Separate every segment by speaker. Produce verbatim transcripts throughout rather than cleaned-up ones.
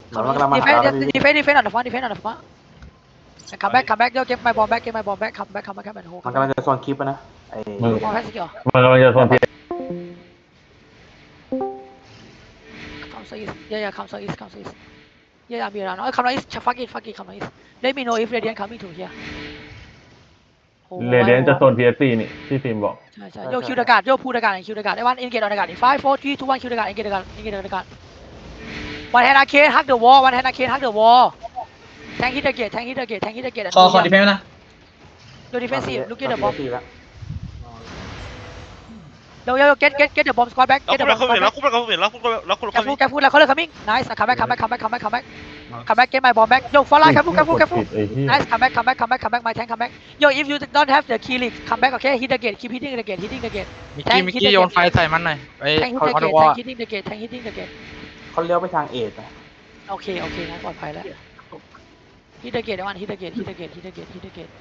Speaker 1: defend defend defend on the front defend on the front come back come back yo get my ball back get my ball back come back come back come back
Speaker 2: มันกำลังจะโซนคลิปนะไอ้
Speaker 1: บอลแพ้สกิล
Speaker 3: มันกำลังจะโซนพี
Speaker 1: come so east yeah yeah come so east come so east yeah yeah be around oh come on east fuck it fuck it come on east let me know if Radiant coming to here
Speaker 3: เรเดียนจะโซน พี เอส ซี นี่ที่ฟิล์มบอก
Speaker 1: ใช่ใช่โยคิวดากาศโยพูดากาศคิวดากาศไอ้วันเอ็นเกตออนดากาศ five four three two one คิวดากาศเอ็นเกตดากาศเอ็นเกตดากาศ one hand arcade hug the wall one hand arcade hug the wall tank hit the gate tank hit the gate tank hit the gate
Speaker 4: ขอขอดีเพนนะ
Speaker 1: yo defensive look at the bomb
Speaker 2: แล้ว
Speaker 1: yo yo get get get the bomb squad back
Speaker 5: แล้ว
Speaker 1: get
Speaker 5: คุ
Speaker 1: the
Speaker 5: ณ
Speaker 1: bomb
Speaker 5: แล้ว
Speaker 1: squad
Speaker 5: คุณ
Speaker 1: back
Speaker 5: แล้วคุณแล้วคุณแล้วคุณแล้วคุณ
Speaker 1: careful careful แล้ว color coming nice come back come back come back come back come back come back get my bomb back yo follow careful careful careful nice come back come back come back come back my tank come back yo if you don't have the key leak come back okay hit the gate keep hitting the gate hitting the gate
Speaker 6: มิกกี้มิกกี้โยนไฟใส่มันหน่อยไอ้
Speaker 1: tank hit
Speaker 6: คอ
Speaker 1: the
Speaker 6: ร์ด
Speaker 1: gate
Speaker 6: วอล
Speaker 1: tank hitting the gate tank hitting the gate
Speaker 2: เขาเลี้ยวไปทางเอทนะ
Speaker 1: โอเคโอเคงั้นปลอดภัยแล้ว hit the gate ไอ้วัน hit the gate hit the gate hit the gate hit the gate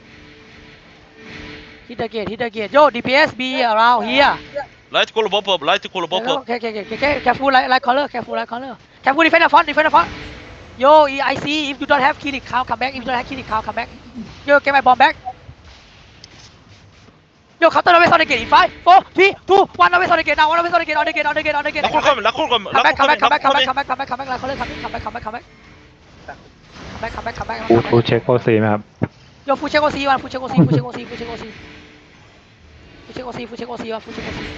Speaker 1: hit the gate hit the gate yo D P S be around here
Speaker 5: Light call pop up light call pop up
Speaker 1: okay okay okay okay careful like like color careful like color careful defend the front defend the front yo I see if you don't have kill it cow come back if you don't have kill it cow come back yo get my bomb back yo counter always on the gate in five four three two one always on the gate now one always on the gate on the gate on the gate on the gate
Speaker 5: แล้วคุณ coming แล้วคุณ coming แล้ว
Speaker 1: come
Speaker 5: คุ
Speaker 1: back
Speaker 5: ณ
Speaker 1: come back
Speaker 5: coming
Speaker 1: come back come back come back come back come back like color coming come back come back come back come back come back come back
Speaker 3: ฟูฟูเช็คโอซีไหมครับ
Speaker 1: yo ฟูเช็คโอซีวันฟูเช็คโอซีฟูเช็คโอซีฟูเช็คโอซีฟูเช็คโอซีฟูเช็คโอซีวันฟูเช็คโอซี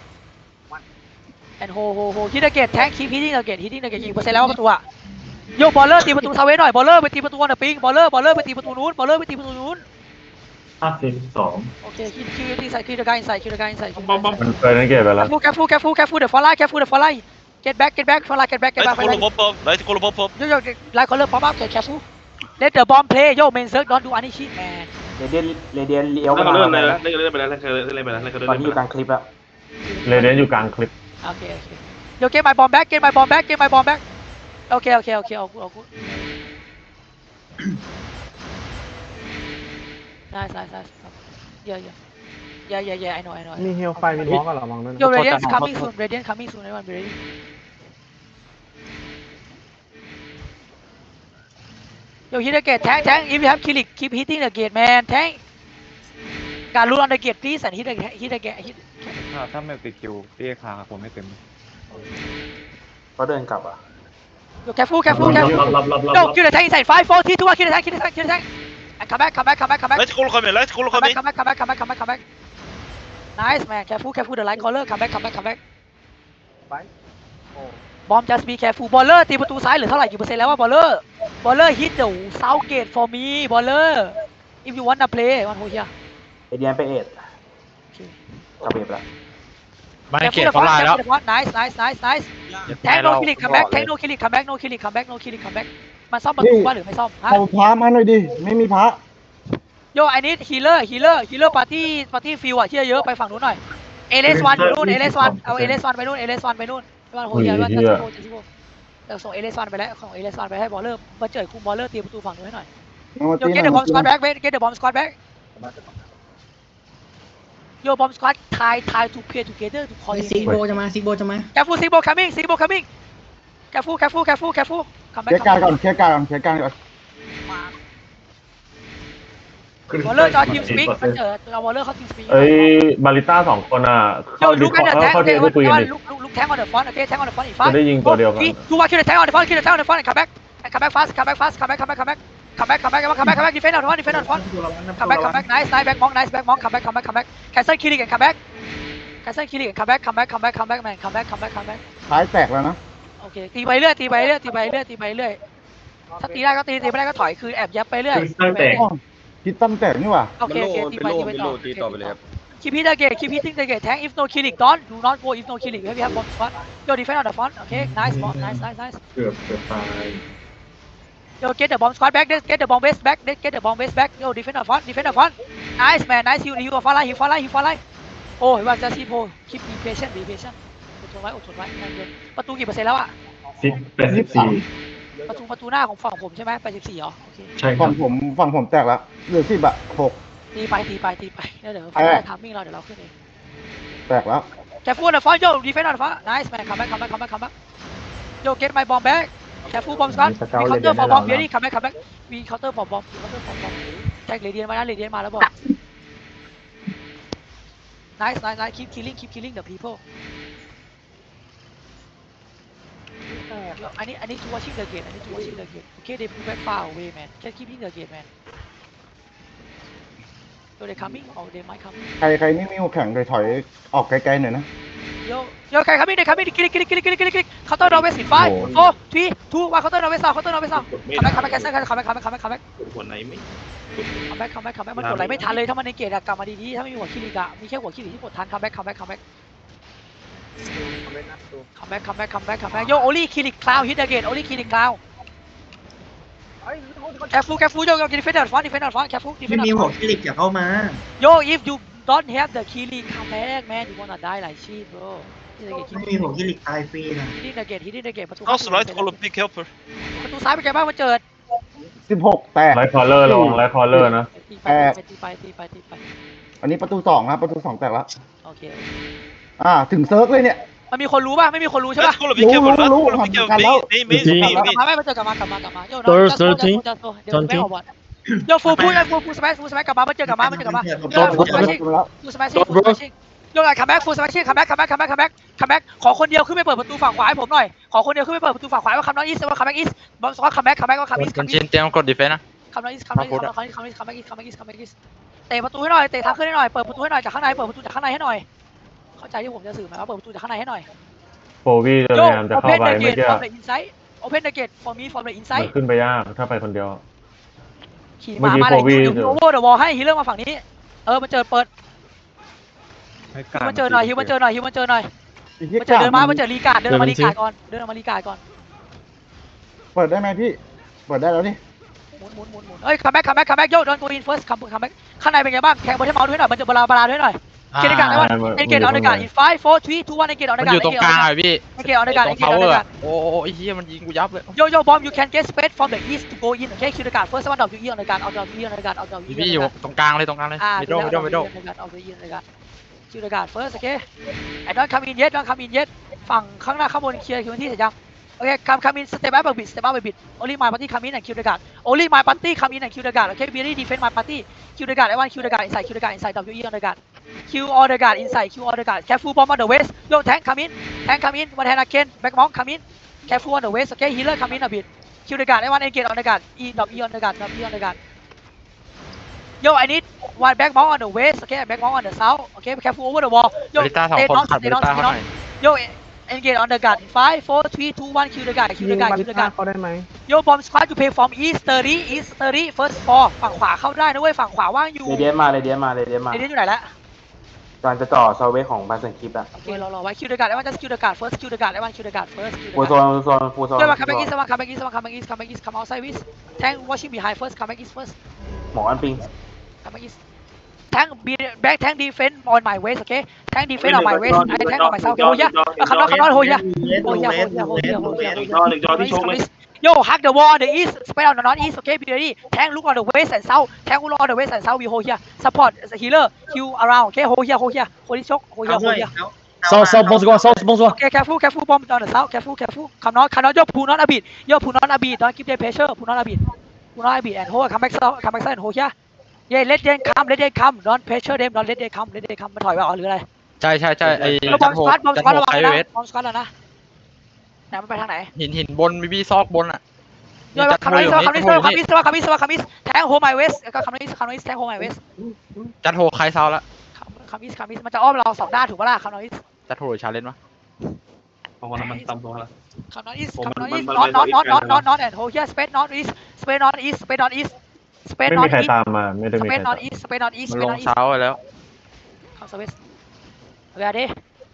Speaker 1: and ho ho ho hit the gate tank keep hitting the gate hitting the gate กี่เปอร์เซ็นต์แล้วประตูอะโยบอลเลอร์ตีประตูซาเวหน่อยบอลเลอร์ไปตีประตูวันเดอร์ปิงบอลเลอร์บอลเลอร์ไปตีประตูนู้นบอลเลอร์ไปตีประตูนู้น
Speaker 3: ห้าสิบสอง
Speaker 1: โอเคคิดคิดตีใส่คิดเดอะการ์อินไซด์คิดเดอะการ์อินไซด์
Speaker 3: มันเคยนั่นเก็บไปแล้ว
Speaker 1: แคฟูแคฟูแคฟูเดอะฟอลไลแคฟูเดอะฟอลไล get back get back ฟอลไล get back get
Speaker 5: Light
Speaker 1: back
Speaker 5: call pop up light call pop up
Speaker 1: โยโย่ไลค์คอลเลอร์พร้อมอัพแคฟู let the bomb play โย main circle don't do any shit man
Speaker 2: เรเดียนเรเดียนเลี้ยว
Speaker 7: แล้ว
Speaker 2: มา
Speaker 7: เขาเลื่อนไปแล้วเลื่อนไปแล้วเลื่อนไปแล้วเลื่อนไปแล้ว
Speaker 2: ตอนนี้อยู่กลางคลิปแล้ว
Speaker 3: เรเดียนอยู่กลางคลิป
Speaker 1: โอเคโอเคโย get my bomb back get my bomb back get my bomb back โอเคโอเคโอเคเอาเอากูได้ได้ได้ yeah yeah yeah yeah yeah I know I know
Speaker 8: มีเฮลไฟมีบล็อกกับเรามองด้วยนะ
Speaker 1: Yo, Radiant coming soon. Radiant coming soon. Everyone be ready. Yo, hit the gate. Tank, tank. If you have kill it, keep hitting the gate, man. Tank. Got loot on the gate, please, and hit the hit the gate. Hit.
Speaker 6: ถ้าถ้าไม่ติดคิวเตี้ยคาผมไม่เต็ม
Speaker 2: เขาเดินกลับอ่ะ
Speaker 1: Yo, careful, careful, careful. Yo, kill the tank inside. Five, four, three, two, one. Kill the tank. Kill the tank. Kill the tank. And come back, come back, come back, come back.
Speaker 5: Light call coming light call
Speaker 1: Come back,
Speaker 5: coming
Speaker 1: come back, come back, come back, come back, come back. Nice, man. Careful, careful. The line caller. Come back, come back, come back. Bomb just be careful. Baller ตีประตูซ้ายเหลือเท่าไหร่กี่เปอร์เซ็นต์แล้วว่า Baller Baller hit the south gate for me Baller if you wanna play one hold here
Speaker 2: เรเดียนไปเอทกลับเอทแล้ว
Speaker 6: ไม่เก็บเขาลายแล้ว
Speaker 1: nice nice nice nice แทง no kill it come back แทง no kill it come back no kill it come back no kill it come back มันซ่อมประตูป่ะหรือไม่ซ่อมฮะ
Speaker 8: เอาพระมาหน่อยดิไม่มีพระ
Speaker 1: โย I need healer healer healer party party field อ่ะที่เยอะไปฝั่งนู้นหน่อย เอ เล เอส วันอยู่นู่น เอ เล เอส วันเอา เอ เล เอส วันไปนู่น เอ เล เอส วันไปนู่นวันโหยวันจะซิโก้จะซิโก้เดี๋ยวส่ง เอ เล เอส วันไปแล้วส่ง เอ เล เอส วันไปให้บอลเลอร์มาเจอคุมบอลเลอร์ตีประตูฝั่งนู้นให้หน่อยโย get the bomb squad back wait get the bomb squad back โย bomb squad tie tie to play together to
Speaker 4: ซิกโบ
Speaker 1: coordinate
Speaker 4: จะมาซิกโบจะมา
Speaker 1: careful Sigbo coming Sigbo coming careful careful careful careful come
Speaker 8: เคลีย
Speaker 1: back
Speaker 8: ร์การก่อนเคลียร์การก่อนเคลียร์การก่อน
Speaker 1: บอลเลอร์จอทีมสปีกมันเจอเอาบอลเลอร์เข้าทีมสปีก
Speaker 3: เอ้ยบาริต้าสองคนอ่ะ
Speaker 1: โย
Speaker 3: เข้าดิ
Speaker 1: ลูกกันเดอะแทง
Speaker 3: เข้าเท
Speaker 1: เดี๋
Speaker 3: ป
Speaker 1: ยว
Speaker 3: ไปคุยกันดิ
Speaker 1: ลูกลูกลูกแทง on the front โอเคแทง on the front อีกฝ่าย
Speaker 3: จะได้ยิงตัวเดียวกัน
Speaker 1: ดูว่าคิวเดอะแทง on the front คิวเดอะแทง on the front come back come back fast come back fast come back come back come back come back come back come back come back defend on the front defend on the front come back come back nice nice back monk nice back monk come back come back come back cancel kill it and come back cancel kill it and come back come back come back come back man come back come back come back
Speaker 8: ท้ายแตกแล้วนะ
Speaker 1: โอเคตีไปเรื่อยตีไปเรื่อยตีไปเรื่อยตีไปเรื่อยถ้าตีได้ก็ตีตีไม่ได้ก็ถอยคือแอบยับไปเรื่อย
Speaker 8: อ๋อคิดตั้งแตกนี่หว่า
Speaker 1: โอเคโอเคตีไปตีไปต่อตีต่อไปเลยครับ keep hitting the gate keep hitting the gate tank if no killing don't do not go if no killing we have bomb squad yo defend on the front okay nice bomb nice nice nice
Speaker 3: เกือบเกือบตาย
Speaker 1: yo get the bomb squad back get the bomb base back get the bomb base back yo defend on the front defend on the front nice man nice you you follow you follow you follow โอ้ยว่าจะซีโพ keep be patient be patient อดทนไว้อดทนไว้ประตูกี่เปอร์เซ็นต์แล้วอะ
Speaker 3: สิบแปดสิบสี่
Speaker 1: ประตูประตูหน้าของฝั่งผมใช่ไหมแปดสิบสี่เหรอโอเค
Speaker 3: ใช่ครั
Speaker 8: ฝั่
Speaker 3: บ
Speaker 8: งผมฝั่งผมแตกแล้วเหลือสิบอะหก
Speaker 1: ตีไปตีไปตีไปแล้วเดี๋ยวฟังได้ทามมิ่งเราเดี๋ยวเราขึ้นเอง
Speaker 8: แตกแล้ว
Speaker 1: แคฟูนเดอะฟอนโยดีเฟนต์ออนเดอะฟอน nice man come back come back come back come back yo get my bomb back careful bomb squad
Speaker 3: มีสเก
Speaker 1: we
Speaker 3: ลเล
Speaker 1: counter
Speaker 3: เดียน
Speaker 1: for
Speaker 3: ให้เรา
Speaker 1: bomb
Speaker 3: นะ
Speaker 1: ready come back come back we counter for bomb we counter for bomb แจ็คเรเดียนมานะเรเดียนมาแล้วบอก nice nice nice keep killing keep killing the people I need I need to watching the gate I need to watching the gate okay they move back far away man just keeping the gate man so they coming or they might come
Speaker 8: ใครใครไม่มีหัวแข็งเลยถอยออกไกลๆหน่อยนะ
Speaker 1: yo yo ใคร coming ใคร coming กิลิกิลิกิลิกิลิกิลิกิลิ counter northwest in five four three two one counter northwest south counter northwest south come back come back cancel come back come back come back come back
Speaker 7: หัวไหนไม่
Speaker 1: come back come back come back มันกดอะไรไม่ทันเลยถ้ามันในเกตอะกลับมาดีๆถ้าไม่มีหัวคิริกะมีแค่หัวคิริที่กดทัน come back come back come back come back come back come back come back yo only kill cloud hit the gate only kill cloud careful careful yo yo defend the front defend the front careful
Speaker 4: ไม่
Speaker 1: defend
Speaker 4: มี
Speaker 1: the
Speaker 4: หัว
Speaker 1: front
Speaker 4: คิริกอย่าเข้ามา
Speaker 1: yo if you don't have the kill come back man you wanna die like shit bro hit the gate
Speaker 4: ไม่มีหัวคิริกตายฟรีนะ
Speaker 1: hit the gate hit the gate ประตู
Speaker 5: House right column pick helper
Speaker 1: ประตูซ้ายเป็นไงบ้างมันเจิด
Speaker 8: สิบหกแตก
Speaker 3: ไลท์คอลเลอร์ระวังไลท์คอลเลอร์นะ
Speaker 1: ตีไปตีไปตีไปตีไป
Speaker 8: อันนี้ประตูสองนะประตูสองแตกแล้ว
Speaker 1: โอเค
Speaker 8: อ่าถึงเซิร์ฟเลยเนี่ย
Speaker 1: มันมีคนรู้ป่ะไม่มีคนรู้ใช่ป่ะ
Speaker 5: Right column pick helper Right
Speaker 8: Lú, lú,
Speaker 5: column
Speaker 8: lú,
Speaker 5: pick helper
Speaker 8: hoàn thành
Speaker 5: me me me
Speaker 1: ก
Speaker 5: me
Speaker 1: ลับ
Speaker 5: me
Speaker 1: มาไม่มาเจอกลับมากลับมากลับมาโยน
Speaker 9: Third,
Speaker 1: เดี๋ยว
Speaker 9: thirteen,
Speaker 1: เดี๋ยวไม่ออกบอลโยฟูพูดฟูฟูสมัยฟูสมัยกลับมามาเจอกลับมามาเจอกลับมาโยฟูสมัยชิ
Speaker 8: แล้ว
Speaker 1: ฟูสมัยชิฟูสมัยชิโยนคัมแบ็กฟูสมัยชิคัมแบ็กคัมแบ็กคัมแบ็กคัมแบ็กคัมแบ็กขอคนเดียวขึ้นไปเปิดประตูฝั่งขวาให้ผมหน่อยขอคนเดียวขึ้นไปเปิดประตูฝั่งขวาว่าคัมนอตอีสว่าคัมแบ็กอีสบอลว่าคัมแบ็กคัมแบ็กว่าคัมอีส
Speaker 6: คนจีนเตรียมกดดีเฟนต์นะ
Speaker 1: คัมนอตอีสคัมนอตอีสคัมนอตอีสคัมนอตอีสคัมแบ็กอีสคัมแบ็กอีสคัมแบ็กอีสเตะประตูให้หน่อยเตะทางขึ้นให้หน่อยเปิดประตูให้หน่อยจากข้างในเปิดประตูจากข้างในให้หน่อยเข้าใจที่ผมจะสื่อไหมว่าเปิดประตูจากข้างในให้หน่อย
Speaker 3: โฟวีจะพ
Speaker 1: โย
Speaker 3: ยายามจะเข้า
Speaker 1: open
Speaker 3: ไป
Speaker 1: the
Speaker 3: เมื่อ
Speaker 1: gate
Speaker 3: กี้
Speaker 1: from the inside open the gate for me from the
Speaker 3: มัน
Speaker 1: inside
Speaker 3: ขึ้นไปยากถ้าไปคนเดียว
Speaker 1: ขี่
Speaker 3: เมื่อ
Speaker 1: มา
Speaker 3: กี้
Speaker 1: มาเลย
Speaker 3: โควิด
Speaker 1: ฮิวฮิวโอเวอร์เดอะวอลให้ฮิลเลอร์มาฝั่งนี้เออมันเจอเปิดฮิวมันเจอหน่อยฮิวมันเจอหน่อยฮิวมันเจอหน่อยมันเจอเดินมามันเจอรีการ์ดเดินมารีการ์ดก่อนเดินมารีการ์ดก่อน
Speaker 8: เปิดได้ไหมพี่เปิดได้แล้วนี่
Speaker 1: หมุนหมุนหมุนหมุนเอ้ยคัมแบ็กคัมแบ็กคัมแบ็กโยดอนโกอินเฟิร์สคัมคัมแบ็กข้างในเป็นไงบ้างแข่งบอลให้เมาส์ด้วยหน่อยมันจะบลาบลาด้วยหน่อยเกตการ์ดได้ว่าเอ็นเกตออนเดอร์การ์ดอินไฟโฟร์ทรีทูวันเอ็นเกตออนเด
Speaker 6: มั
Speaker 1: อน ร์
Speaker 6: อ
Speaker 1: การ์ด
Speaker 6: ยู่ตรงกลางเลยพี่
Speaker 1: เอ็นเกตออนเดอร์การ์ด
Speaker 6: ตร
Speaker 1: เอ็น
Speaker 6: ง
Speaker 1: เกตอ
Speaker 6: พา
Speaker 1: อน
Speaker 6: ว
Speaker 1: เด
Speaker 6: เว
Speaker 1: อ
Speaker 6: อ
Speaker 1: ร์
Speaker 6: ร์
Speaker 1: การ์ด
Speaker 6: โอ้โหไอ้เหี้ยมันยิงกูยับเลย
Speaker 1: โยโย่บอม you can get space from the east to go in okay kill the guard first one of you eat on the guard out of you on the guard out of you
Speaker 6: พี่อยู่ตรงกลางเลยตรงกลางเลย
Speaker 1: อ่า
Speaker 6: มิดโดมิดโดมิดโด
Speaker 1: เอาไปยิงเลยกันคิวเดการ์ดเฟิร์สโอเคไอ้ดอนคัมอินเย็ดดอนคัมอินเย็ดฝั่งข้างหน้าข้างบนเคลียร์คิวที่เสร็จยังโอเคคัมคัมอินสเตปอัพบิดสเตปอัพบิด only my party come in and kill the guard only my party come in and kill the guard okay really defend my party kill the guard I want kill the guard inside kill the guard inside W E on the guard kill all the guard inside kill all the guard careful bomb on the west yo tank come in tank come in one hand again back monk come in careful on the west okay healer come in a bit kill the guard I want engage on the guard E W on the guard W on the guard Yo, I need one back mount on the west, okay, back mount on the south, okay, be careful over the wall.
Speaker 6: บ
Speaker 1: Yo,
Speaker 6: ริต้าสอง
Speaker 1: stay
Speaker 6: คน
Speaker 1: down,
Speaker 6: ขัดบ
Speaker 1: stay
Speaker 6: ริ
Speaker 1: down,
Speaker 6: ต้า
Speaker 1: stay
Speaker 6: เขาหน่อย
Speaker 1: down. Yo, engage on the guard. Five, four, three, two, one, kill the guy, kill the guy, kill the guy.
Speaker 9: เขาได้ไหม
Speaker 1: Yo, bomb squad, you pay from east thirty, east thirty, first four. ฝั่งขวาเข้าได้นะเว้ยฝั่งขวาว่างอยู่
Speaker 2: เรเดียนมาเรเดียนมาเรเดียนมา
Speaker 1: เดี๋ยวนี้อยู่ไหนละ
Speaker 2: การจะจ่อซอเวของบาสเซนคลิปอะ
Speaker 1: โอเครอรอไว้ kill the guard. I want just kill the guard first, kill the guard. I want kill the guard first, kill the
Speaker 2: ฟูโซ
Speaker 1: guard.
Speaker 2: นฟูโซนฟูโซน
Speaker 1: Yo, come back east, come back east, come back east, come back east, come outside east. Tank watching behind first, come back east first.
Speaker 2: หมออันปิง
Speaker 1: Come back east. Tank be back tank defense on my waist, okay? Tank defense on my waist. I tank on myself. Oh yeah. คำนอนคำนอนโหยะ
Speaker 4: เลส
Speaker 1: โหยะ
Speaker 4: เล
Speaker 1: โห
Speaker 4: ส
Speaker 1: ยะโห
Speaker 4: เลย
Speaker 1: ะ
Speaker 4: ส
Speaker 1: โห
Speaker 4: เลย
Speaker 1: ยะ
Speaker 4: ส
Speaker 7: หนึ่งจอหนึ่งจอที่ชกเลย
Speaker 1: Yo, hack the wall on the east, spread on the northeast, okay? Be ready. Tank look on the west and south. Tank look on the west and south. We hold here. Support the healer. Heal around, okay? Hold here, hold here. Hold this choke. Hold here,
Speaker 4: เอาด้ว
Speaker 1: hold
Speaker 4: ย
Speaker 1: here.
Speaker 4: เอา
Speaker 9: South, south, bon squad, south, bon squad.
Speaker 1: Okay, careful, careful. Bomb on the south. Careful, careful. Come on, come on. Yo, pull on a bit. Yo, pull on a bit. Don't keep the pressure. Pull on a bit. Pull on a bit and hold. Come back south. Come back south and hold here. Yeah, let them come. Let them come. Don't pressure them. Don't let them come. Let them come. มันถอยมาอ๋อหรืออะไร
Speaker 6: ใช่ใช่ใช่ไอ้
Speaker 1: เราบ
Speaker 6: จั
Speaker 1: อม
Speaker 6: น
Speaker 1: ส
Speaker 6: โฮ
Speaker 1: ควอตบอมส
Speaker 6: จัน
Speaker 1: ควอต
Speaker 6: โฮ
Speaker 1: ระวัง
Speaker 6: ไค
Speaker 1: นะ
Speaker 6: เวส
Speaker 1: บอมสควอตแล้วนะไหนมันไปทางไหน
Speaker 6: หินหินบนมีบี้ซอกบนอ่ะ
Speaker 1: โยนคำนี้สว่าคำนี้สว่าคำนี้สว่าคำนี้สว่าคำนี้แทงโฮมไมเวสก็คำนี้คำนี้แทงโฮมไมเวส
Speaker 6: จันโฮใครเซาละ
Speaker 1: คำนี้คำนี้มันจะอ้อมเราสองด้านถูกปะล่ะคำนี้
Speaker 6: จันโฮหรือชาเลนจ์วะ
Speaker 7: เพราะว่ามันต่ำลงแล้ว
Speaker 1: คำนี้คำนี้น็อตน็อตน็อตน็อตน็อตน็อตแอนด์โฮเฮียสเปซน็อตอีสสเปซน็อตอีสสเปซน็อตอีสสเปซ
Speaker 3: ไม่
Speaker 1: น็อ
Speaker 3: มี
Speaker 1: ต
Speaker 3: ใคร
Speaker 1: อีส
Speaker 3: ตามมาไม่ได้
Speaker 1: ส
Speaker 3: มี
Speaker 1: เป
Speaker 3: ใคร
Speaker 1: ซน็อ
Speaker 3: ตาม
Speaker 1: ตอีสสเปซน็อตอีส
Speaker 6: มั
Speaker 1: ส
Speaker 6: น
Speaker 1: เปซ
Speaker 6: ล
Speaker 1: น็
Speaker 6: ง
Speaker 1: อตอีส
Speaker 6: เซาไปแล้ว
Speaker 1: คำสวิสเอาไปดิ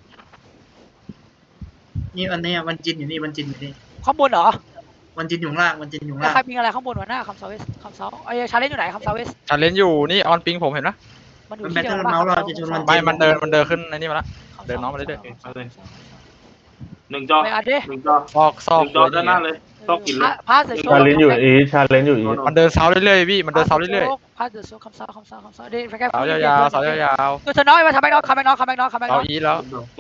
Speaker 4: นี่อันนี้วันจินอยู่นี่วันจินอยู่นี่
Speaker 1: ข้างบนเหรอ
Speaker 4: วันจินอยู่ข้างล่างวันจินอยู่ข้าง
Speaker 1: แล้ว
Speaker 4: ล่าง
Speaker 1: ใครมีอะไรข้างบนวะหน้าคำสวิสคำเซาไอ้ชาเลนจ์อยู่ไหนคำสวิส
Speaker 6: ชาเลนจ์อยู่นี่ออนปิงผมเห็นปะ
Speaker 1: มันอยู่
Speaker 4: มัน
Speaker 1: ที่
Speaker 4: แบต
Speaker 1: เดีย
Speaker 4: เทิ
Speaker 1: ว
Speaker 4: ล
Speaker 1: กัน
Speaker 4: เมาส์เราจะชนวัน
Speaker 6: ไม่
Speaker 4: จิน
Speaker 6: มันเดินมันเดินขึ้นไอ้นี่มาละ เดินน้องมาเรื่อย
Speaker 7: หนึ่งจอ
Speaker 1: ไปอัดดิ
Speaker 7: หนึ่งจอ
Speaker 6: ซอกซ
Speaker 7: ห
Speaker 6: อก
Speaker 7: นึ่งจอด้านหน้าเลยซอกกินเลย
Speaker 1: พาสเดอะโช
Speaker 3: ชาเลนจ์อยู่อีชาเลนจ์อยู่อี
Speaker 6: มันเดินเซาเรื่อยๆพี่มันเดินเซาเรื่อย
Speaker 1: พาสเดอะโชคำเซาคำเซาคำเซาเดี๋ยวแค่
Speaker 6: ๆเสายาวๆเสายาว
Speaker 1: ตัวเธอน้อยมาทำแบ็กน็อกคัมแบ็กน็อกคัมแบ็กน็อกคัม
Speaker 6: ๆ
Speaker 1: แบ็กน็
Speaker 6: เอา
Speaker 1: อก
Speaker 6: อีแล้ว
Speaker 7: ว่า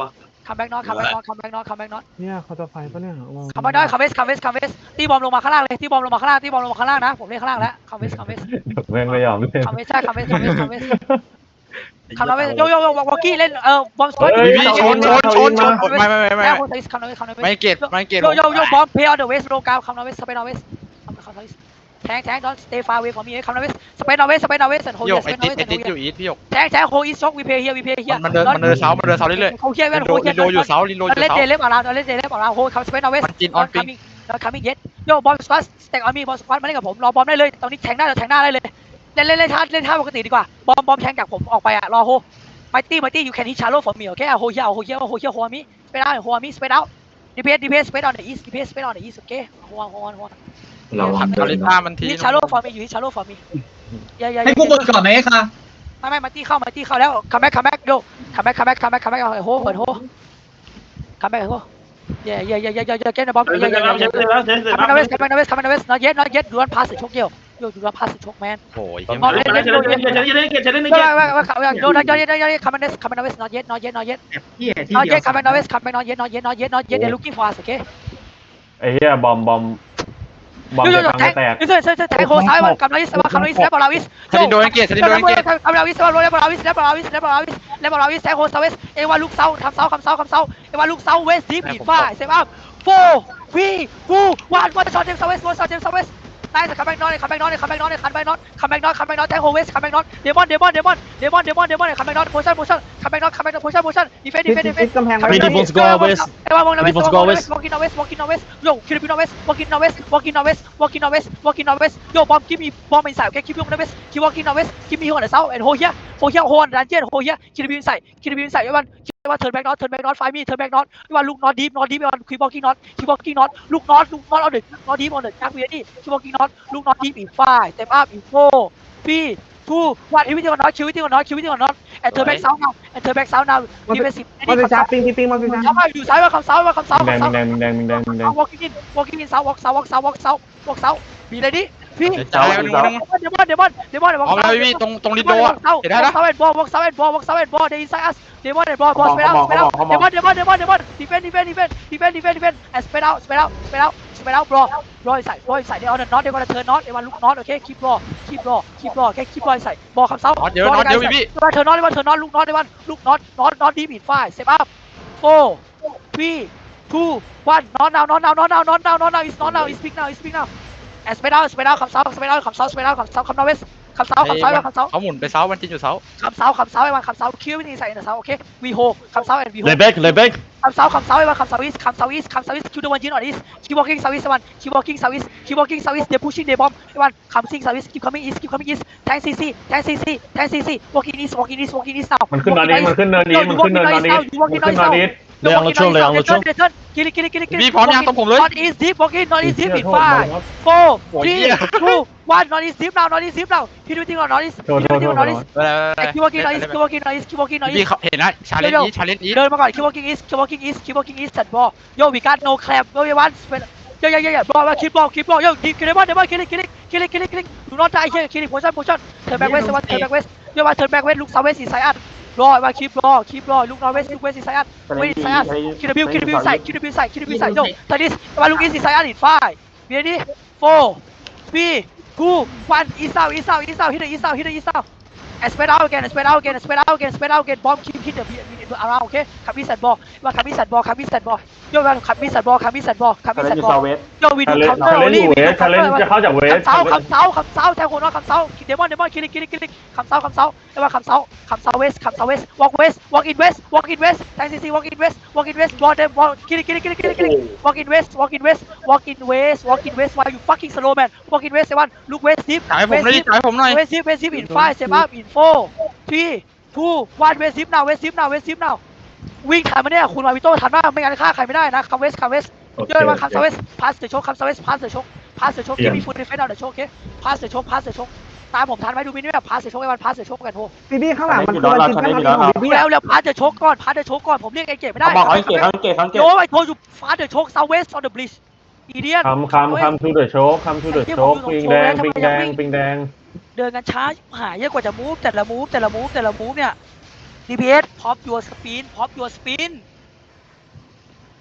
Speaker 1: คัมแบ็กน็อตคัมแบ็กน็อตคัมแบ็กน็อตคัมแบ็กน็อต
Speaker 3: เนี่ยเขาจะไฟปะเนี่ย
Speaker 1: คัมแบ็กน็อตคัมเวสคัมเวสคัมเวสตีบอมลงมาข้างล่างเลยตีบอมลงมาข้างล่างตีบอมลงมาข้างล่างนะผมเล่นข้างล่างแล้วคัมเวสคัมเวส
Speaker 3: แม่งไม่ยอมเล่น
Speaker 1: คัมเวสใช่คัมเวสคัมเวสคัมเวสคัมเวสโยโย่โย่วอกกี้เล่นเออบอมสกอต
Speaker 3: เฮ้ย
Speaker 6: พี่ชนชนชนชนไม่ไม่ไม่ไม่
Speaker 1: แล้
Speaker 6: ไม่
Speaker 1: วโคตรคัมเวสคัมเวส
Speaker 6: ไม่เกตไม่เกต
Speaker 1: โยโย่โย่บอมเพย์ออนเดอะเวสโลกาคัมเวสสเปนอเวสคัมคัมเวสแทงแทงดอนสเตฟาเวฟอร์มีคัมเวสสเปนอเวสสเปนอเวสโฮ
Speaker 6: พี่ห
Speaker 1: เย
Speaker 6: ย
Speaker 1: ส
Speaker 6: ก
Speaker 1: ส
Speaker 6: ไอ
Speaker 1: เปนอ
Speaker 6: ติด
Speaker 1: เวส
Speaker 6: ไอติดอยู่อีทพี่หยก
Speaker 1: แทงแทงโฮอีสช็อกวีเพย์เฮียวีเพย์เฮีย
Speaker 6: มันเดินมันเดินเสามันเดินเสาเรื่อย
Speaker 1: โฮเฮียเว้ย
Speaker 6: ลินโด
Speaker 1: โฮเฮี
Speaker 6: ลิ
Speaker 1: ย
Speaker 6: นโดอยู่เสาลินโดอยู่
Speaker 1: เล่น
Speaker 6: เสา
Speaker 1: เดเล็บออกเราเล่นเดเล็บออกเราโฮคัมสเปนอเวส
Speaker 6: มันจินออนปิง
Speaker 1: แล้วคัมมิ่งเย็ดโยบอมสควอตสเต็กออนมีบอมสควอตมาเล่นกับผมรอบอมได้เลยตอนนี้แทงได้เราแทงหน้าได้เลยเล่นเล่นเล่นท่าเล่นท่าปกติดีกว่าบอมบอมแทงจากผมออกไปอะรอโฮไมตี้ไมตี้อยู่แคนที่ชาร์โลฟอร์มิโอเคโฮเฮียโฮเฮียโฮเฮียโฮมิสเปดเอาโฮมิสเปดเอาดีเพสดีเพสสเปดออนเดอะอีสดีเพสสเปดออนเดอะอีสโอเคโฮโฮโฮ
Speaker 9: ระวัง
Speaker 6: คาริต้ามันที
Speaker 1: ที่ชาร์โลฟอร์มิอยู่ที่ชาร์โลฟอร์มิอย่าอย่า
Speaker 4: ให้กูเปิดก่อนไหมคะ
Speaker 1: ไม่ไม่ไมตี้เข้าไมตี้เข้าแล้วคัมแบ็กคัมแบ็กโยคัมแบ็กคัมแบ็กคัมแบ็กคัมแบ็กเอาโฮเปิดโฮคัมแบ็กโฮอย่าอย่าอย่าอย่าอย่าเกนบอม
Speaker 7: เฮ้ย
Speaker 1: อย่า
Speaker 7: เส
Speaker 1: อ
Speaker 7: ร็
Speaker 1: ย่า
Speaker 7: จ
Speaker 1: อย่า
Speaker 7: แล้วเสร็จ
Speaker 1: อย่า
Speaker 7: แล้วเสร็จ
Speaker 1: คัมแบ็กนาเวสคัมแบ็กนาเวสคัมแบ็กนาเวส not yet not yet do not pass the choke เดียวโย do not pass the choke man
Speaker 6: โอ้ย
Speaker 7: เสร็จแล้วเสร็จแล้วเสร็จแล้วเสร็จแล้วเสร็จแล้ว
Speaker 1: ไม่ไม่ไม่ไม่โย not yet not yetคัมแบ็กคัมแบ็กนาเวส not yet not yet not yet
Speaker 4: เหี้ยที่
Speaker 1: not
Speaker 4: เดียว
Speaker 1: yet คัมแบ็กนาเวสคัมแบ็ก not yet not yet not yet not yet they're looking for us okay
Speaker 3: ไอ้เหี้ยบอมบอมบอม
Speaker 1: โยโย
Speaker 3: จะ
Speaker 1: โย
Speaker 3: พัง
Speaker 1: แท
Speaker 3: จะ
Speaker 1: ง
Speaker 3: แตก
Speaker 1: นี่เซ่เซ่แทงโคซ้ายมันคัมนาวิสคัมนาวิสแล้วบอลลาวิส
Speaker 6: ซาลินโดนเกตซาลินโดนเกต
Speaker 1: คัมนาวิสแล้วบอลลาวิสแล้วบอลลาวิสแล้วบอลลาวิสแล้วบอลลาวิสแทงโคซาเวสเอวาลูกเซาทำเซาคำเซาคำเซาเอวาลูกเซาเวสดีปีฟ้าเซฟอัพโฟวีวูวันวันช็อตเจมส์ซาเวสวันช็อตเจมส์ซาเวสได้สักคัมแบ็กน็อตคัมแบ็กน็อตคัมแบ็กน็อตคัมแบ็กน็อตคัมแบ็กน็อตคัมแบ็กน็อตแทงโคเวสคัมแบ็กน็อตเดมอนเดมอนเดมอนเดมอนเดมอนเดมอนคัมแบ็กน็อตโพชั่นโพชั่นคัมแบ็กน็อตคัมแบ็กน็อตโพชั่นโพชั่นดีเฟนดีเฟนดีเฟน
Speaker 8: กำแพง
Speaker 9: Ready for go west
Speaker 1: เอวามองนาเวสมองนาเวส walkingนาเวส walking นาเวสโยคิริบินาเวส walking นาเวส walking นาเวส walking นาเวส walking นาเวสโยบอม give me bomb inside okay keep you นาเวส keep walking นาเวส give me on the south and hold here hold here hold on dungeon hold here คิริบิ inside คิริบิ inside วันว่า turn back not turn back not find me turn back not ว่า look not deep not deep วัน keep walking not keep walking not look not look not on the not deep on the dark way keep walking not look not deep in five step up in four three two one everything on not everything on not everything on not and turn back south now and turn back south now defensive
Speaker 8: มันเป็นชาปิงปิงมันเป็นชา
Speaker 1: ย้ำอยู่ซ้ายว่าคำซ้ายว่าคำซ้าย
Speaker 3: แดง
Speaker 1: คำซ้าย
Speaker 3: แดงแดงแดงแดง
Speaker 1: walking in walking in ซ้าย walk ซ้าย walk ซ้าย walk ซ้าย walk ซ้ายบีเลยดิพี่
Speaker 6: เจ้าหนึ่งหนึ่ง
Speaker 1: เดมอนเดมอนเดมอน
Speaker 6: เอาแล้วพี่ตรงตรงลินโดอ่ะเห็นได้นะ
Speaker 1: ซ้ายบอล walk ซ้ายบอล walk ซ้ายบอล they inside us เดมอนเดมอนบอล spread out spread out เดมอนเดมอนเดมอนเดมอน defend defend defend defend defend defend and spread out spread out spread out spread out bro bro inside bro inside they on the not they gonna turn not they want look not okay keep ball keep ball keep ball okay keep ball inside บอลคำซ้าย
Speaker 6: น็อตเยอะน็อตเยอะพี่
Speaker 1: they want turn not they want turn not look not they want look not not not deep in five step up four three two one not now not now not now not now not now it's not now it's speak now it's speak now and spread out spread out คำซ้าย spread out คำซ้าย spread out คำซ้าย come now west คำซ้าย คำซ้าย คำซ้าย
Speaker 6: เขาหมุนไปเสามันจินอยู่เสา
Speaker 1: คำซ้าย คำซ้าย คำซ้าย คิวนี่ใส่ในเสาโอเค we hold คำซ้าย and we hold
Speaker 9: Lay back, lay back.
Speaker 1: คำซ้าย คำซ้าย คำซ้าย คำซ้าย คำซ้าย คิว the one in on this keep walking south east one keep walking south east keep walking south east they pushing they bomb one come sing south east keep coming east keep coming east tank cc tank cc tank cc walking east walking east walking east now
Speaker 3: มันขึ้นนอนนี้มันขึ้นเนินนี้มันขึ้นเนินนอนนี้มันขึ้นนอนนี้
Speaker 9: Lay on the choke, lay on the choke.
Speaker 1: kill it kill it kill it kill it
Speaker 6: พี่พร้อมยังตรงผมเลย
Speaker 1: not east deep walking not east deep in five four
Speaker 6: โอ้ย
Speaker 1: three
Speaker 6: เหี้ย
Speaker 1: two one not east deep now not east deep now hit everything on not east
Speaker 3: โทษ
Speaker 1: hit
Speaker 3: โทษ
Speaker 1: everything
Speaker 3: โท
Speaker 1: on
Speaker 3: ษ
Speaker 1: not east
Speaker 6: ไปไป
Speaker 1: keep walking not east keep walking not east keep walking not
Speaker 6: พี่
Speaker 1: east
Speaker 6: เขาเห็นนะชาเลนจ์อีชาเลนจ์อี
Speaker 1: เดินมาก่อน keep walking east keep walking east keep walking east สัตว์บอล yo we got no clap yo we want yo yo yo yo ball keep ball keep ball yo keep kill it kill it kill it kill it kill it kill it kill it do not die here kill it position position turn back west turn back west yo want turn back west look south west inside us รอมา keep รอ keep รอ look north west look west inside us west inside us kill the view kill the view inside kill the view inside kill the view inside yo tell thisมา look east inside us in five ready four three two one east out east out east out hit the east out hit the east out and spread out again and spread out again and spread out again spread out again bomb keep hit the around okay คัมมิสแอนด์บอลว่าคัมมิสแอนด์บอลคัมมิสแอนด์บอลโยว่าคัมมิสแอนด์บอลคัมมิสแอนด์บอลคัมมิสแอนด์บอลโยวิน
Speaker 3: ชาเลน
Speaker 1: คัม
Speaker 3: จ์
Speaker 1: เตอ
Speaker 3: ชา
Speaker 1: ร์
Speaker 3: เล
Speaker 1: โอน
Speaker 3: จ์
Speaker 1: ลี่
Speaker 3: อยู่เวสชาเลนจ์จะเข้าจากเวส
Speaker 1: คำเซาคำเซาคำเซาแทงหัวน้องคำเซาเดมอนเดมอนคิลิคิลิคิลิคำเซาคำเซาเรียกว่าคำเซาคำเซาเวสคำเซาเวส walk west walk in west walk in west แทงซีซี walk in west walk in west บอลเดมบอลคิลิคิลิคิลิคิลิคิลิ walk in west walk in west walk in west walk in west why you fucking slow man walk in west เซวัน look west deep
Speaker 6: จ่ายผมหน่อยจ่ายผมหน่อย
Speaker 1: west deep west deep in five step up in four three two one west deep now west deep now west deep now วิ่งทันไหมเนี่ยคุณมาวิโต้ทันมากไม่งั้นฆ่าใครไม่ได้นะคัมเวสคัมเวสเยอะมาคัมเวสพาสเดอะโชคคัมเวสพาสเดอะโชคพาสเดอะโชคที่มีฟูลดีเฟนต์เอาเดอะโชคโอเคพาสเดอะโชคพาสเดอะโชคตามผมทันไหมดูมินี่แบบพาสเดอะโชคไอ้วันพาสเดอะโชคกันโห
Speaker 8: พี่พี่ข้างหลังมันคือมันจินข้างหลังของ
Speaker 1: ดู
Speaker 8: พี่
Speaker 1: แล้วแล้วพาสเดอะโชคก่อนพาสเดอะโชคก่อนผมเรียกไอ้เก๋ไม่ได้
Speaker 2: บอกให้เกตเขาเกตเขาเกต
Speaker 1: โอ้ยโทรอยู่พาสเดอะโชคเซาเวสออนเดอะบลิชอีเดียน
Speaker 3: คำคำคำทูเดอะโชคคำทูเดอะโชคปิงแดงปิงแดงปิงแดง
Speaker 1: เดินกันช้าหายเยอะกว่าจะมูฟแต่ละมูฟแต่ละมูฟแต่ละมูฟเนี่ย ดี พี เอส pop your spin pop your spin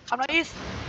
Speaker 1: คำนออีส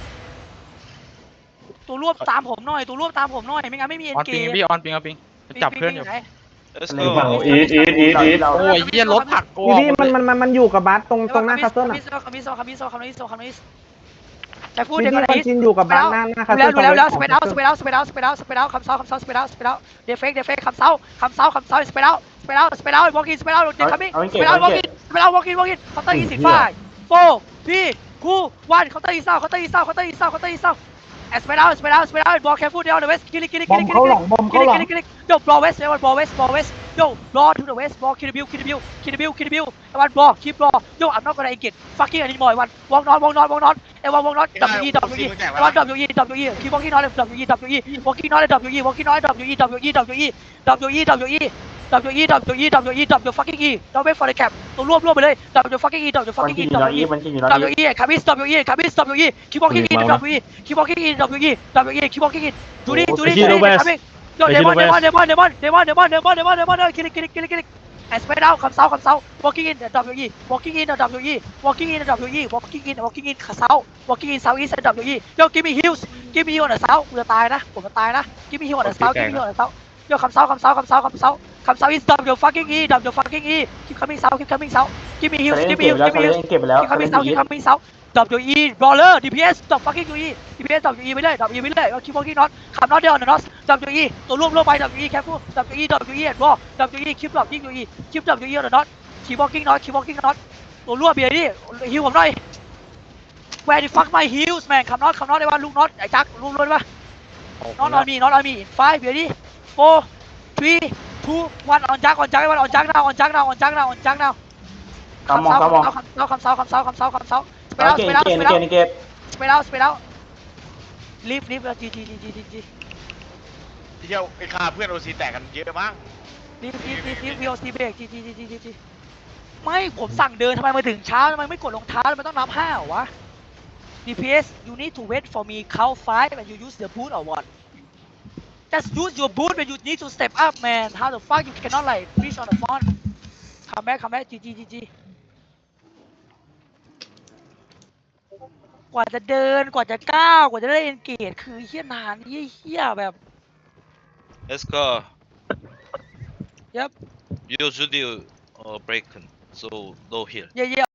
Speaker 1: ตัวรวบตามผมหน่อยตัวรวบตามผมหน่อยไม่งั้นไม่มีเอ็
Speaker 6: อน อน
Speaker 1: เก
Speaker 6: ปิง
Speaker 1: ม
Speaker 6: พี่ออนปิงออนปิงจับเพื่อนอยู่
Speaker 5: let's
Speaker 3: อยู่ฝั่ง
Speaker 5: go
Speaker 3: อีทอีทอีทอีท
Speaker 6: โอ้ยเหี้ยรถผักกู
Speaker 8: พี่พี่มันมันมันมันอยู่กับบัสตรงตรงหน้าคาสเซิล
Speaker 1: คำ
Speaker 8: อ่ะ
Speaker 1: มิโซคำมิโซคำมิโซคำมิโซคำมิโซคำมิโซจะพูด
Speaker 8: พี่
Speaker 1: เดี๋ยว
Speaker 8: พี่
Speaker 1: ก่อน
Speaker 8: วัน
Speaker 1: อีส
Speaker 8: จินอยู่กับบัสหน้าหน้าคาส
Speaker 1: ดู
Speaker 8: เซิ
Speaker 1: แล้ว
Speaker 8: ล
Speaker 1: ดูแล้วแล้วสเปดเอาสเปดเอาสเปดเอาสเปดเอาสเปดเอาสเปดเอาคำเซาคำเซาสเปดเอาสเปดเอาเดฟเฟกเดฟเฟกคำเซาคำเซาคำเซาสเปดเอาสเปดเอาสเปดเอาวอล์กอินสเปดเอาเดฟคัมมิ่งสเปดเอาวอล์กอินสเปดเอาวอล์กอินวอล์กอินเคาน์เตอร์ยี่สิบห้าโฟร์ทีทูวันเคาน์เตอร์ยี่สิบเคาน์เตอร์ยี่สิบเคาน์เตอร์ยี่สิบเคาน์เตอร์ยี่สิบเอสเปดเอาสเปดเอาสเปดเอาบอลแคร์ฟูดเดลเดอะเวสกิลิกิลิ
Speaker 8: บ
Speaker 1: กิ
Speaker 8: อม
Speaker 1: ลิกิลิ
Speaker 8: เข้าหลังบอม
Speaker 1: กิ
Speaker 8: เข้า
Speaker 1: ลิ
Speaker 8: หลัง
Speaker 1: กิลิกิลิโยบอลเวสเดวันบอลเวสบอลเวสโยบอลทูเดอะเวสบอลคิดบิวคิดบิวคิดบิวคิดบิววันบอลคีบบอลโยอัพนอกกระไรเกตฟักกิ้งอันนี้มอยวันวองนอนวองนอนวองนอนเอวันวองนอนดับยี่ดับยี่วันดับยี่ดับยี่คีบวองกิ้งนอนเลยดับยี่ดับยี่วองกิ้งนอนเลยดับยี่วองกิ้งนอนดับยี่ดับยี่ดับยี่ดับยี่ดับยี่ดับยี่ดับยี่ดับยี่ดับยี่ดับฟักกิ้งอีดับเวฟฟอร์เดแคปตัวรวบรวบไปเลยดับยี่ฟักกิ้งอีดับยี่ฟัก
Speaker 2: วัน
Speaker 1: กิ้ง
Speaker 2: จิ
Speaker 1: อี
Speaker 2: นอยู่
Speaker 1: ดั
Speaker 2: น
Speaker 1: บ
Speaker 2: อี
Speaker 1: ยี่
Speaker 2: วันจินอยู่น
Speaker 1: ดับ
Speaker 2: อี
Speaker 1: ยี่คาบิสดับยี่คาบิสดับยี่คีบวองกิ้งอีดับยี่คีบวองกิ้งอีดับยี่ดับยี่คีบวองกิ้งอีดูดิดูดิดูดิคาบิสโยเดมอนเดมอนเดมอนเดมอนเดมอนเดมอนเดมอนเดมอนเดมอนคิลิคิลิคิลิคิลิแอสเปดเอาคำเซาคำเซา walking in ดับยี่ walking in ดับยี่ walking in ดับยี่ walking in walking in ขาเซา walking in south east ดับยี่โย give me heels give me heel on the south กูจะตายนะผมจะตายนะ give me heel on the south give me heel on the south โยคำเซาคำเซาคำเซาคำเซาคำเซา is ดับ your fucking e ดับ your fucking e keep coming south keep coming south give me
Speaker 2: เซ
Speaker 1: heels
Speaker 2: เลน
Speaker 1: give me
Speaker 2: เก็บ
Speaker 1: heels
Speaker 2: ไปแล้ว
Speaker 1: give me
Speaker 2: เซเล
Speaker 1: heels
Speaker 2: นเก็บไปแล้ว
Speaker 1: keep
Speaker 2: เซเล
Speaker 1: coming
Speaker 2: น
Speaker 1: south
Speaker 2: อี
Speaker 1: keep
Speaker 2: ท
Speaker 1: coming south ดับ e brawler ดี พี เอส ดับ fucking e ดี พี เอส ดับ e ไปเลยดับ e ไปเลย keep walking not ขับ not there on the north ดับ e ตัวรวบรวบไปดับ e careful ดับ e ดับ e and wall ดับ e keep ดับ e keep ดับ e on the north keep walking not keep walking not ตัวรวบเบียร์ดิฮิวผมหน่อย where the fuck my heels man ขับ not ขับ not ได้ว่าลูก not ไอ้จักรวบรวบได้ปะ not on me not on me in five เบียร์ดิ four three two one on jack on jack one on jack now on jack now on jack now on jack now
Speaker 2: กำมองกำมอง
Speaker 1: คำเซาคำเซาคำเซาคำเซาคำเซาสเป
Speaker 2: เก
Speaker 1: ร
Speaker 2: ต
Speaker 1: ย์
Speaker 2: เก
Speaker 1: เอาส
Speaker 2: ต
Speaker 1: เปรย์เอาสเปรย์
Speaker 2: เกต
Speaker 1: เอา
Speaker 2: เกต
Speaker 1: สเปรย์เอาสเปรย์เอาลีฟลีฟจีจีจีจีจีจี
Speaker 5: เที่ยวไอ้ข้าเพื่อนโอซีแตกกันเยอะมาก
Speaker 1: ลีฟลีฟลีฟลีฟวีโอซีเบรกจีจีจีจีจีจีไม่ผมสั่งเดินทำไมมาถึงช้าทำไมไม่กดรองเท้าทำไมต้องนับห้าเหรอวะ ดี พี เอสyou need to wait for me count five and you use the boot or what just use your boot when you need to step up man how the fuck you cannot like reach on the front come back come back จีจีจีจีกว่าจะเดินกว่าจะก้าวกว่าจะได้เอนเกจคือเฮี้ยนานเฮี้ยแบบ
Speaker 5: let's go
Speaker 1: Yep.
Speaker 5: usually uh break so low here
Speaker 1: yeah yeah